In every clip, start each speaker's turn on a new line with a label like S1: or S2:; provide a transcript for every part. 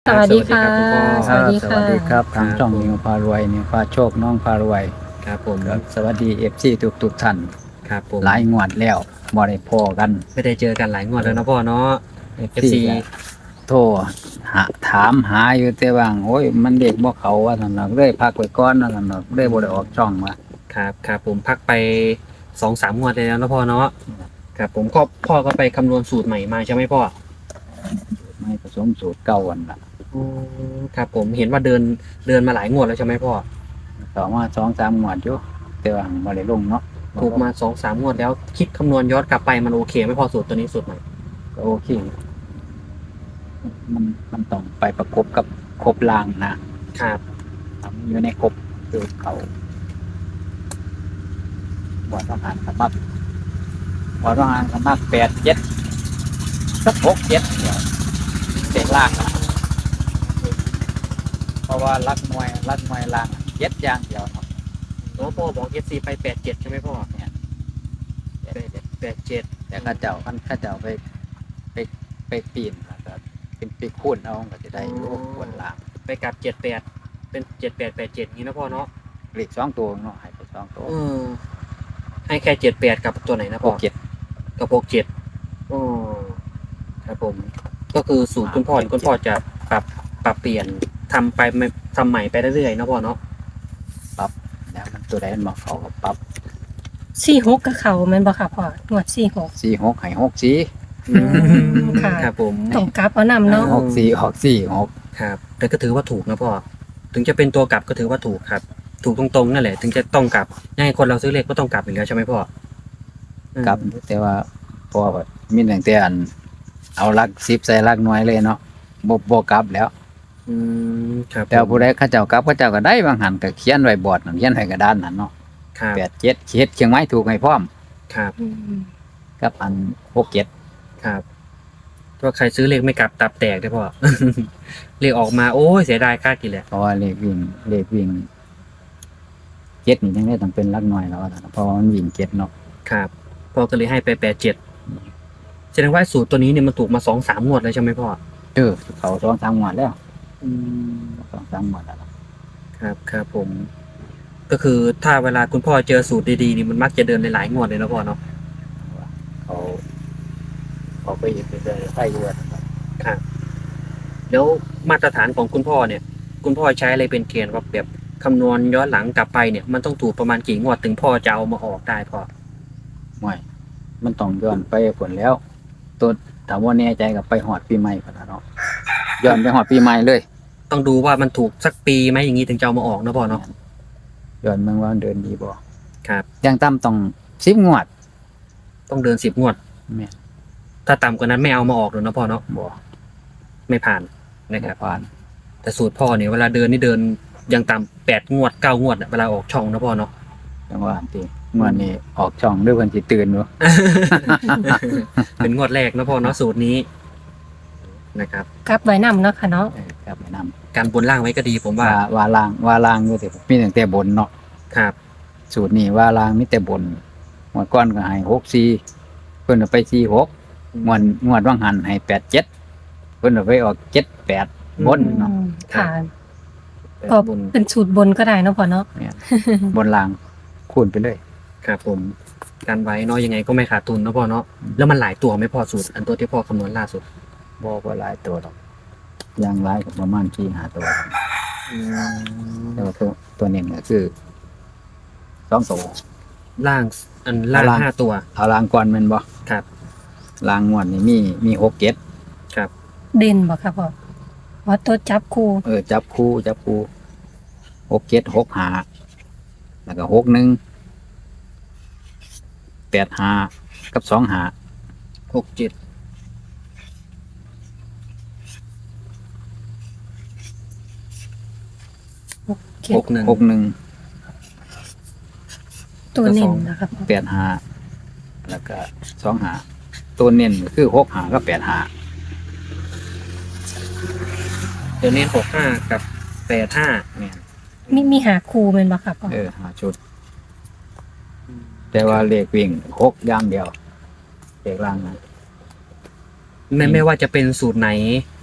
S1: สวัสดีค่ะ
S2: คุณพ่อ
S1: สวัสดีค่ะ
S3: สวัสดีครับทางช่อง
S2: ครับผม
S3: นิวพารวยนิวพาโชคน้องพารวย
S2: ครับผม
S3: ครับสวัสดีFC ทุกท่าน
S2: ครับผม
S3: หลายงวดแล้วบ่ได้พอกัน
S2: ไม่ได้เจอกันหลายงวดแล้วนะพ่อเนาะ FC
S3: ก็โทรถามหาอยู่แต่ว่าโอ้ยมันเด็กบ่เขาว่าซั่นน่ะเลยพักไว้ก่อนว่าซั่นน่ะเลยบ่ได้ออกช่องมา
S2: ครับผมพักไป2-3 งวดแล้วนะพ่อเนาะครับผมก็พ่อก็ไปคำนวณสูตรใหม่มาใช่ไหมพ่อ
S3: ไม่ผสมสูตรเก่าอันน่ะ
S2: อืครับผมเห็นว่าเดินมาหลายงวดแล้วใช่ไหมพ่อ
S3: ต่อมา2-3งวดอยู่แต่ว่าบ่ได้ลงเนาะ
S2: ถูกมา2-3 งวดแล้วคิดคำนวณย้อนกลับไปมันโอเคไหมพ่อสูตรตัวนี้สูตรใหม่
S3: ก็โอเคมันต้องไปประกบกับครบล่างนะครับ ทำอยู่ในครบสูตรเขาบ่ต้องหารสมัคร พอต้องอ่านคำมาก8-7สัก6-7เดี๋ยวเด็กล่างนะเพราะว่ารักมวยล่างเจ็ดอย่างเดียวเนาะ
S2: โอ้พ่อบอก FC ไป87ใช่ไหมพ่อ
S3: เนี่ย
S2: 87
S3: แต่ข้าเจ้าไปไปปีนแล้วก็เป็นไปคูณเอาก็จะได้อยู่บนล่าง
S2: ไปกลับ78เป็น7887นี้นะพ่อเนาะ
S3: เลข2 ตัวเนาะให้ไป2 ตัว
S2: ให้แค่78กับตัวไหนนะพ่อ
S3: 6-7
S2: กับ67อ๋อครับผม ก็คือสูตรคุณพ่อจะปรับเปลี่ยนทำใหม่ไปเรื่อยๆนะพ่อเนาะ
S3: แล้วมันตัวใดมันบอกเขาก็ปรับ
S1: 46กับเขาแม่นบ่ค่ะพ่อหนวด46
S3: 4-6ให้6-4
S1: ค่ะ
S2: ครับผม
S1: ต้องกลับเอานำเนาะ
S3: 6-4ออก4-6
S2: ครับแต่ก็ถือว่าถูกนะพ่อถึงจะเป็นตัวกลับก็ถือว่าถูกครับ ถูกตรงๆนั่นแหละถึงจะต้องกลับยังไงคนเราซื้อเลขก็ต้องกลับอยู่แล้วใช่ไหมพ่ออืม
S3: กลับแต่ว่าพอแบบมีตั้งแต่อันเอาลัก10ใส่ลักหน่วยเลยเนาะบ่กลับแล้ว
S2: ครับ
S3: แต่ว่าผู้ใดเขาเจ้ากลับเขาเจ้าก็ได้บางหันก็เขียนไว้บอร์ดนั่นเขียนไว้กระดานนั่นเนาะ
S2: ครับ
S3: 87เขียนเชียงไม้ถูกให้พร้อม
S2: ครับ
S1: อืม
S3: กับอัน67
S2: ครับถ้าใครซื้อเลขไม่กลับตับแตกได้พ่อ เลขออกมาโอ้ยเสียดายค่ากี่แหละ
S3: เพราะว่าเลขวิ่งเจ็ดนี่จังได้ต้องเป็นลักหน่วยแล้วนะเพราะว่ามันวิ่ง7เนาะ
S2: ครับพ่อก็เลยให้ไป87แสดงว่าสูตรตัวนี้เนี่ยมันถูกมา2-3 งวดแล้วใช่ไหมพ่อ
S3: เขา2-3งวดแล้ว
S2: อืม
S3: 2-3งวดแล้ว
S2: ครับผม ก็คือถ้าเวลาคุณพ่อเจอสูตรดีๆนี่มันมักจะเดินหลายๆงวดเลยนะพ่อเนาะ
S3: เขาเขาไปเลยไปอยู่นะครับ
S2: ครับแล้วมาตรฐานของคุณพ่อเนี่ย คุณพ่อใช้อะไรเป็นเกณฑ์ว่าแบบคำนวณย้อนหลังกลับไปเนี่ยมันต้องถูกประมาณกี่งวดถึงพ่อจะเอามาออกได้พ่อ
S3: ไม่มันต้องย้อนไปผลแล้ว ตัวถามว่าแน่ใจกับไปหอดปีใหม่ก่อนนะเนาะย้อนไปหอดปีใหม่เลย
S2: ต้องดูว่ามันถูกสักปีไหมอย่างนี้ถึงจะเอามาออกนะพ่อเนาะ
S3: ย้อนเมืองว่ามันเดินดีบ่
S2: ครับ
S3: อย่างต่ำต้อง10 งวด
S2: ต้องเดิน10 งวด
S3: แม่น
S2: ถ้าต่ำกว่านั้นไม่เอามาออกหรอกนะพ่อเนาะ
S3: บ่
S2: ไม่ผ่านนะครับ
S3: ผ่าน
S2: แต่สูตรพ่อเนี่ยเวลาเดินนี่เดินยังต่ำ8 งวด 9 งวดอะเวลาออกช่องนะพ่อเนาะ
S3: จังว่าอันที่งวดนี้ออกช่องด้วยคนสิตื่นบ่
S2: เป็นงวดแรกนะพ่อเนาะสูตรนี้นะครับ
S1: กลับไว้นำเนาะค่ะเนาะ
S3: ครับแนะนำ
S2: การบนล่างไว้ก็ดีผมว่า
S3: ว่าล่างอยู่แต่มีตั้งแต่บนเนาะ
S2: ครับ
S3: สูตรนี้ว่าล่างมีแต่บนงวดก่อนก็ให้64เพิ่นเอาไป46งวดว่างหันให้87เพิ่นเอาไปออก78บนเนาะ
S1: อืมค่ะ ก็
S2: บน
S1: เป็นสูตรบนก็ได้เนาะพ่อเนาะ
S3: เนี่ยบนล่างคูณไปเลย
S2: ครับผมการไว้เนาะยังไงก็ไม่ขาดทุนนะพ่อเนาะแล้วมันหลายตัวไหม่พอสูตรอันตัวที่พ่อคำนวณล่าสุด
S3: บ่หลายตัวหรอกอย่างหลายก็ประมาณ4-5ตัวแต่ว่าตัวนี้ก็คือ2ตัว
S2: ล่างอันล่าง
S3: ล่าง
S2: 5 ตัว
S3: เอาล่างก่อนแม่นบ่
S2: ครับ
S3: ล่างงวดนี่มี6-7
S2: ครับ
S1: เด่นบ่ค่ะพ่อว่าตัวจับคู่
S3: จับคู่6-7 6-5แล้วก็6-1 8-5กับ2-5
S2: 6-7
S1: เขียน
S2: 6-1
S3: 6-1
S1: ตัวเน้นนะคะพ่อ
S3: 8-5แล้วก็2-5ตัวเน้นก็คือ6-5กับ8-5
S2: เดี๋ยวนี้65กับ85
S3: เนี่ย
S1: มีหาคู่แม่นบ่ค่ะพ่อ
S3: 5ชุด แต่ว่าเลขวิ่ง6อย่างเดียวเลขล่างนะ
S2: ไม่ว่าจะเป็นสูตรไหน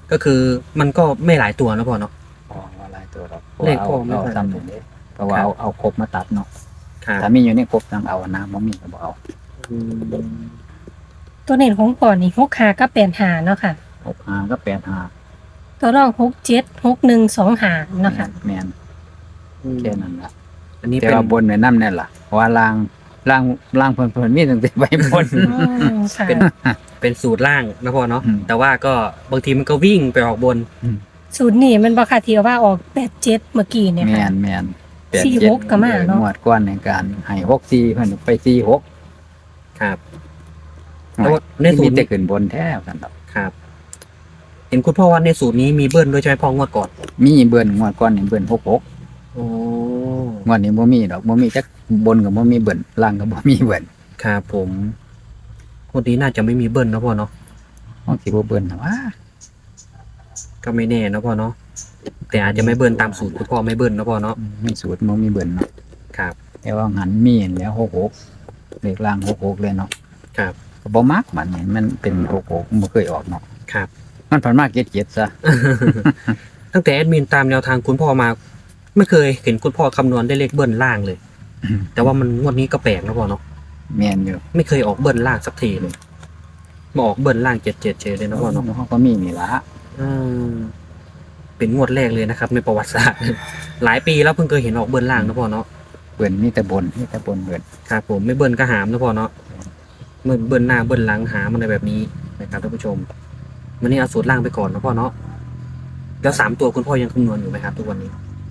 S2: ก็คือมันก็ไม่หลายตัวนะพ่อเนาะ
S3: อ๋อว่าหลายตัวหรอก
S2: เลขพ่อไม่
S3: เอา
S2: ค่อย
S3: ซ้ำหนึ่งเด้เพราะว่า
S2: ครับ
S3: เอาครบมาตัดเนาะ
S2: ครับ
S3: ถ้ามีอยู่ในครบต้องเอานะบ่มีก็บ่เอา
S2: อืม
S1: ตัวเน้นของพ่อนี่6 5กับ8 5เนาะค่ะ
S3: 65ก็85
S1: ตัวรอง6 7 6 1 2 5เนาะค่ะ
S3: แม่นแค่นั้นล่ะ
S2: อันนี้
S3: แต่
S2: เป็น
S3: ว่าบนไว้นำนั่นล่ะเพราะว่าล่างเพิ่นมีตั้งแต่ใบบน
S1: อืมค่ะ
S2: เป็นสูตรล่างนะพ่อเนาะ
S3: อืม
S2: แต่ว่าก็บางทีมันก็วิ่งไปออกบน
S1: สูตรนี้มันบ่ค่ะที่ว่าออก8 7เมื่อกี้เนี่ย
S3: แม่
S1: ค่ะ
S3: นแม่น
S1: 46ก็มาเนาะ
S3: งวดก่อนในการให้64เพิ่นไป46
S2: ครับ แต่ว่าในสู
S3: มี
S2: ตร
S3: แต่
S2: นี้
S3: ขึ้นบนแท้กันดอก
S2: ครับ เห็นคุณพ่อว่าในสูตรนี้มีเบิ้ลด้วยใช่ไหมพ่องวดก่อน
S3: มีเบิ่นงวดก่อนนี่เบิ่น66
S2: โอ้
S3: งวดนี้บ่มีดอกบ่มีจักบนก็บ่มีเบิ่นล่างก็บ่มีเบิ่น
S2: ครับผมงวดนี้น่าจะไม่มีเบิ้ลนะพ่อเนาะ
S3: บางสิบ่เบิ่นนะว่า
S2: ก็ไม่แน่นะพ่อเนาะแต่อาจจะไม่เบิ้ลตามสูตรคุณพ่อไม่เบิ้ลนะพ่อเนาะ
S3: มีสูตรบ่มีเบิ่นเนาะ
S2: ครับ
S3: แต่ว่าหันมีเห็นแล้ว66เลขล่าง66เลยเนาะ
S2: ครับ
S3: ก็บ่มักมันนี่มันเป็น66มันบ่เคยออกเนาะ
S2: ครับ
S3: มันผ่านมา77ซะ
S2: ตั้งแต่แอดมินตามแนวทางคุณพ่อมา ไม่เคยเห็นคุณพ่อคำนวณได้เลขเบิ้ลล่างเลย แต่ว่ามันงวดนี้ก็แปลกนะพ่อเนาะ
S3: แม่นอยู่
S2: ไม่เคยออกเบิ้ลล่างสักทีเลยมาออกเบิ้ลล่าง77เฉยเลยนะพ่อเนาะ
S3: เฮาก็มีนี่ล่ะ
S2: อืมเป็นงวดแรกเลยนะครับในประวัติศาสตร์ หลายปีแล้วเพิ่งเคยเห็นออกเบิ้ลล่างนะพ่อเนาะ
S3: เบิ่นมีแต่บนเบิ่น
S2: ครับผมไม่เบิ้ลก็หามนะพ่อเนาะเมื่อเบิ้ลหน้าเบิ้ลหลังหามอะไรแบบนี้นะครับท่านผู้ชมวันนี้เอาสูตรล่างไปก่อนนะพ่อเนาะแล้ว3 ตัวคุณพ่อยังคำนวณอยู่ไหมครับทุกวันนี้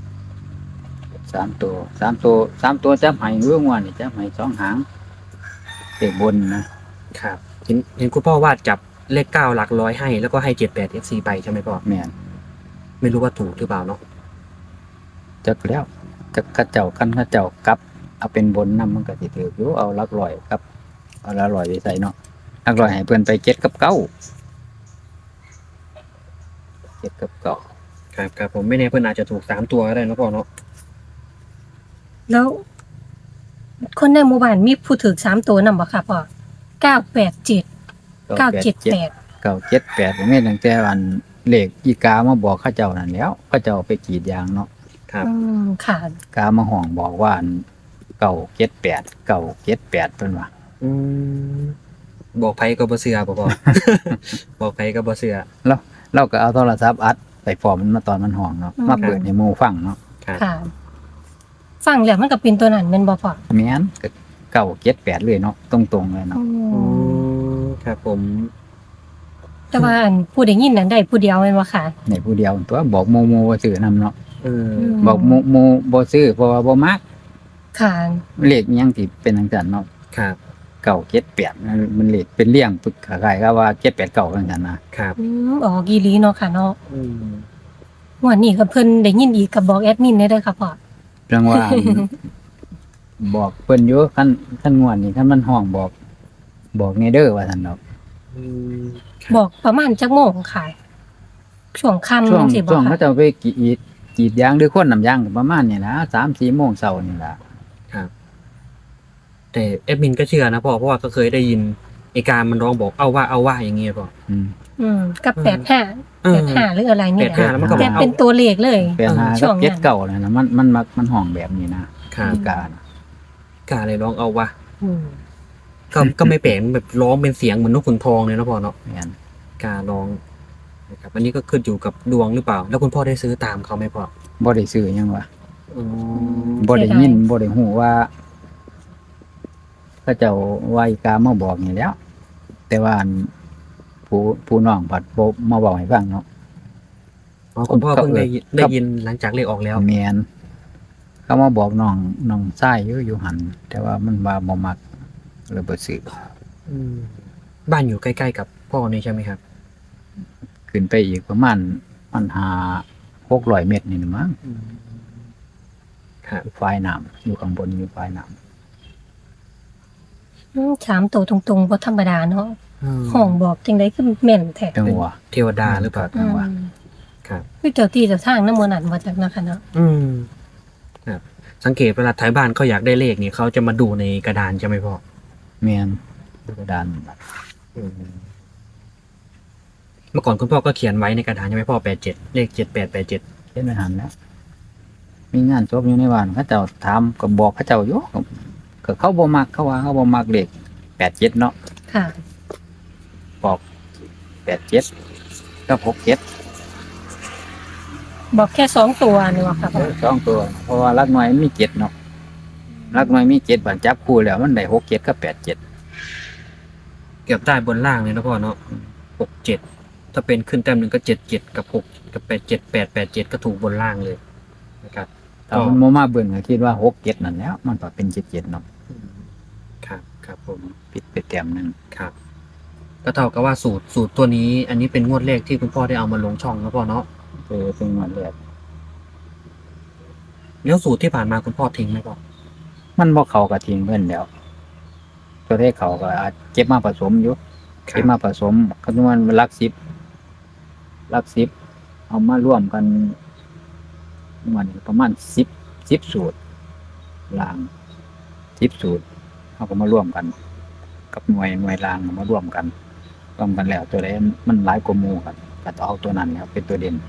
S3: 3ตัวจับให้เรื่องว่านี่จับให้2หางเลขบนนะครับ
S2: เห็นคุณพ่อว่าจับเลข9หลักร้อยให้แล้วก็ให้78 FC ไปใช่ไหมพ่อ
S3: แม่น
S2: ไม่รู้ว่าถูกหรือเปล่าเนาะ
S3: จักแล้วจักเขาเจ้ากลับเอาเป็นบนนำมันก็สิถืออยู่เอาหลักร้อยกับเอาหลักร้อยไปใส่เนาะหลักร้อยให้เพิ่นไป7กับ9 7กับ9
S2: ครับผมไม่แน่เพื่อนอาจจะถูก3 ตัวก็ได้นะพ่อเนาะ
S1: แล้วคนในหมู่บ้านมีผู้ถือ3 ตัวนำบ่ค่ะพ่อ987 978
S3: 978แม่นตั้งแต่วันเลขอีกามาบอกเขาเจ้านั่นแล้วเขาเจ้าไปกรีดยางเนาะ
S2: ครับ
S1: อืมค่ะ
S3: กามาห้องบอกว่า978เพิ่นว่า
S2: อืมบอกไผก็บ่เชื่อพ่อ บอกไผก็บ่เชื่อ
S3: เราก็เอาโทรศัพท์อัดไปฟอร์มมันมาตอนมันห้องเนาะ
S1: อืม
S3: มาเปิดให้หมู่ฟังเนาะ
S2: ครับ
S1: ค่ะ ฟังแล้วมันก็เป็นตัวนั้นแม่นบ่พ่อ
S3: แม่นก็978เลยเนาะตรงๆเลยเนาะ
S2: อืมครับผม
S1: แต่ว่าอันผู้ได้ยินนั้นได้ผู้เดียวแม่นบ่ค่ะ
S3: ในผู้เดียวตัวบอกโมบ่ซื้อนำเนาะ
S2: เออ
S3: บอกโมบ่ซื้อเพราะว่าบ่มัก
S1: ค่ะ
S3: เลขอิหยังที่เป็นจังซั่นเนาะ
S2: ครับ
S3: 978มันเลขเป็นเลี่ยงปึกคล้ายๆกับว่า789จังซั่นนะครับ
S1: ออกอีหลีเนาะค่ะเนาะ
S2: อืม
S1: วันนี้ก็เพิ่นได้ยินอีกก็บอกแอดมินได้เด้อค่ะพ่อ
S3: เรื่องว่า บอกเพิ่นอยู่คันงวดนี้คันมันห้องบอกแน่เด้อว่าซั่นดอก
S2: อืม
S1: บอกประมาณจักโมงค่ะช่วงค่ำ
S3: ช่วง
S1: สิบ่
S3: ช่วงเขา
S1: ค่ะ
S3: จะไปกรีดยางหรือคนน้ำยางก็ประมาณนี้นะ3-4 โมงเช้านี่ล่ะ
S2: ครับ แต่แอดมินก็เชื่อนะพ่อเพราะว่าก็เคยได้ยินไอการมันร้องบอกเอาว่าอย่างเงี้ยพ่อ
S3: อืม
S1: กับ
S2: เออ
S1: 85หรืออะไรนี่แหละ
S2: 85แล้วมันก็
S1: แต่
S2: บอกเอา
S1: เป็นตัวเลขเลย
S3: 85
S1: ช่ว
S3: กั
S1: ง
S3: บ
S1: นั้น
S3: 79นั่นน่ะมันมักมันห้องแบบนี้นะครับ อีกาน่ะ
S2: กาเลยร้องเอาว่า
S1: อืม
S2: ก็ไม่แปลกแบบร้องเป็นเสียงเหมือนนกขุนทองเลยนะพ่อเนาะ
S3: แม่น
S2: การร้องนะครับอันนี้ก็ขึ้นอยู่กับดวงหรือเปล่า แล้วคุณพ่อได้ซื้อตามเขาไหมพ่อ
S3: บ่ได้ซื้อหยังวะ
S2: อืม
S3: บ่ได้ยินบ่ได้ฮู้ว่าเขาเจ้าว่าอีกามาบอกนี่แหล้ว แต่ว่าอันผู้น้องผัดบ่มาบอกให้ฟังเนาะ
S2: อ๋อคุณพ่อเพิ่งได้
S3: ครับ
S2: ได้ยินหลังจากเลขออกแล้ว
S3: แม่นเขามาบอกน้องชายอยู่หันแต่ว่ามันว่าบ่มักเลยบ่ซื้อ
S2: อืมบ้านอยู่ใกล้ๆกับพ่อนี่ใช่ไหมครับ
S3: ขึ้นไปอีกประมาณมัน600 เมตรนี่นะมั้ง
S2: ครับ
S3: ฝ่ายน้ำอยู่ข้างบนอยู่ฝ่ายน้
S1: ถามตัวตรงๆบ่ธรรมดาเนาะห้องบอกจังได๋คือแม่นแท้
S3: ำจังหวะ
S2: เทวดาหรือเปล่า
S3: จังหวะ
S2: ครับ
S1: คือเจ้าที่เจ้าทางนำหมู่นั้นบ่จักนะคะเนาะ
S2: อืมครับ สังเกตเวลาท้ายบ้านเขาอยากได้เลขเนี่ยเขาจะมาดูในกระดานใช่ไหมพ่อ
S3: แม่นกระดาน
S2: อืมเมื่อก่อนคุณพ่อก็เขียนไว้ในกระดานใช่ไหมพ่อ87เลข7887
S3: เฮ็ดไม่หันแล้ว มีงานศพอยู่ในบ้านเขาเจ้าถามก็บอกเขาเจ้าอยู่ก็เขาบ่มักเขาว่าเขาบ่มักเลข87เนาะ
S1: ค่ะ
S3: บอก87กับ67
S1: บอกแค่สองตัวนี่หว่าค่ะพ่อ
S3: สองตัว เพราะว่าหลักหน่วยมันมี7เนาะหลักหน่วยมี7บัดจับคู่แล้วมันได้67กับ87
S2: เกือบได้บนล่างเลยนะพ่อเนาะ67ถ้าเป็นขึ้นแต้มหนึ่งก็77กับ6กับ87887ก็ถูกบนล่างเลยนะครับ
S3: ถ้ามันบ่มาเบิ่งก็คิดว่า67นั่นแหล้วมันก็เป็น77เนาะ
S2: ครับครับผม
S3: ผิดไปแต้มหนึง
S2: ครับก็เท่ากับว่าสูตรตัวนี้ อันนี้เป็นงวดแรกที่คุณพ่อได้เอามาลงช่องนะพ่อเนาะ
S3: เป็นงวดแรก
S2: แล้วสูตรที่ผ่านมาคุณพ่อทิ้งไหมพ่อ
S3: มันบ่เข้ากับทิ้งเพิ่นแล้ว ตัวเลขเขาก็อาจเก็บมาผสมอยู่ เก็บมาผสมคำนวณหลัก10เอามาร่วมกันมันประมาณ10สูตรล่าง10สูตรเอาก็มาร่วมกัน กับหน่วยล่างเอามาร่วมกันแล้วตัวใดมันหลายกว่าหมู่ครับก็ต้องเอาตัวนั้นครับเป็นตัวเด่น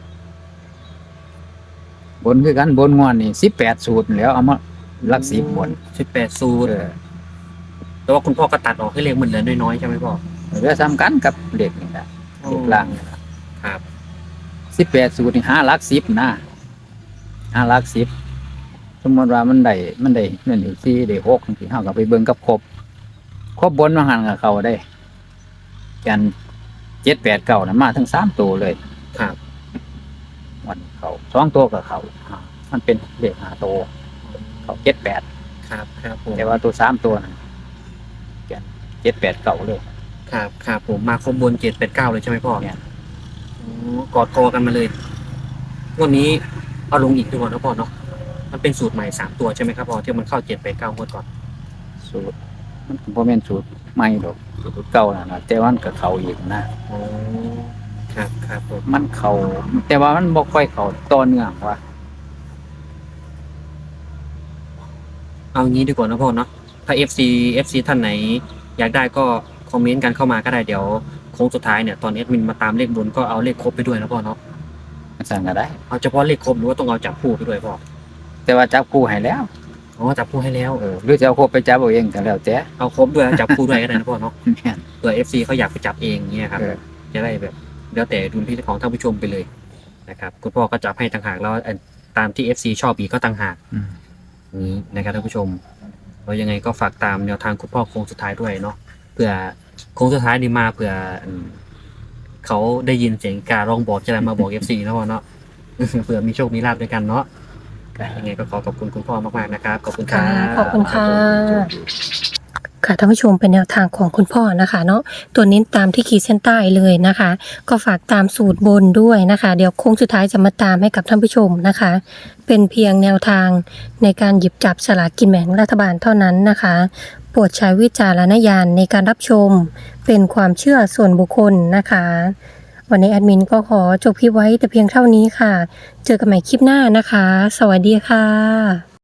S3: บนคือกันบนงวดนี่18สูตรแล้วเอามาหลัก10บน
S2: 18สูตรแต่ว่าคุณพ่อก็ตัดออกให้เลขมันเหลือน้อยๆใช่ไหมพ่อ
S3: เหลือซ้ำกันกับเด็กนี่แหละเด็กล่างนี่ล่ะ
S2: ครับ
S3: 18สูตรนี่5หลัก10นะ5หลัก10สมมติว่ามันได้นั่นได้4ได้6จังซี่เฮาก็ไปเบิ่งกับครบบนว่าหั่นก็เข้าได้กัน7 8 9น่ะมาทั้ง3ตัวเลย
S2: ครับ
S3: มันเข้า2ตัวก็เข้ามันเป็นเลข5ตัวเข้า7 8
S2: ครับครับผม
S3: แต่ว่าตัว3ตัวน่ะกัน7 8 9เลย
S2: ครับครับผมมาครบบน789เลยใช่ไหมพ่อ
S3: เนี่ย
S2: กอดคอกันมาเลยวันนี้เอาลงอีกตัวนะพ่อเนาะมันเป็นสูตรใหม่3ตัวใช่ไหมครับพ่อที่มันเข้า789งวดก่อน
S3: สูตรมันบ่แม่นสูตรใหม่ดอกสูตรเก่านั่นน่ะแต่ว่ามันก็เข้าอีกนะ
S2: อ๋อครับครับผม
S3: มันเข้าแต่ว่ามันบ่ค่อยเข้าต่อเนื่องว่ะ
S2: เอางี้ดีกว่านะพ่อเนาะถ้า FC ท่านไหนอยากได้ก็คอมเมนต์กันเข้ามาก็ได้เดี๋ยวโค้งสุดท้ายเนี่ยตอนแอดมินมาตามเลขบนก็เอาเลขครบไปด้วยนะพ่อเนาะ
S3: มันสั่งก็ได้
S2: เอาเฉพาะเลขครบหรือว่าต้องเอาจับคู่ไปด้วยพ่อ
S3: แต่ว่าจับคู่ให้แล้ว
S2: อ๋อจับคู่ให้แล้ว
S3: หรือจะเอาครบไปจับเอาเองก็แล้วแต่
S2: เอาครบด้วยแล้วจับคู่ด้วยก็ได้นะพ่อเนาะ
S3: แม่น
S2: เผื่อ FC เขาอยากไปจับเองเนี่ยครับ จะได้แบบแล้วแต่ดุลพินิจของท่านผู้ชมไปเลยนะครับคุณพ่อก็จับให้ต่างหากแล้วตามที่ FC ชอบอีกก็ต่างหาก
S3: อืม
S2: นี้นะครับท่านผู้ชมเรายังไงก็ฝากตามแนวทางคุณพ่อโค้งสุดท้ายด้วยเนาะเผื่อโค้งสุดท้ายนี่มาเผื่อเขาได้ยินเสียงการร้องบอกจะได้มาบอก FC นะพ่อเนาะ เผื่อมีโชคมีลาภด้วยกันเนาะยังไงก็ขอบคุณคุณพ่อมากๆนะครับขอบคุณครั
S1: ค่ะ
S2: บ
S1: ขอบคุณค่ะ ค่ะท่านผู้ชมเป็นแนวทางของคุณพ่อนะคะเนาะตัวนี้ตามที่ขีดเส้นใต้เลยนะคะ ก็ฝากตามสูตรบนด้วยนะคะ เดี๋ยวโค้งสุดท้ายจะมาตามให้กับท่านผู้ชมนะคะ เป็นเพียงแนวทางในการหยิบจับสลากกินแบ่งรัฐบาลเท่านั้นนะคะโปรดใช้วิจารณญาณในการรับชมเป็นความเชื่อส่วนบุคคลนะคะ วันนี้แอดมินก็ขอจบคลิปไว้แต่เพียงเท่านี้ค่ะ เจอกันใหม่คลิปหน้านะคะ สวัสดีค่ะ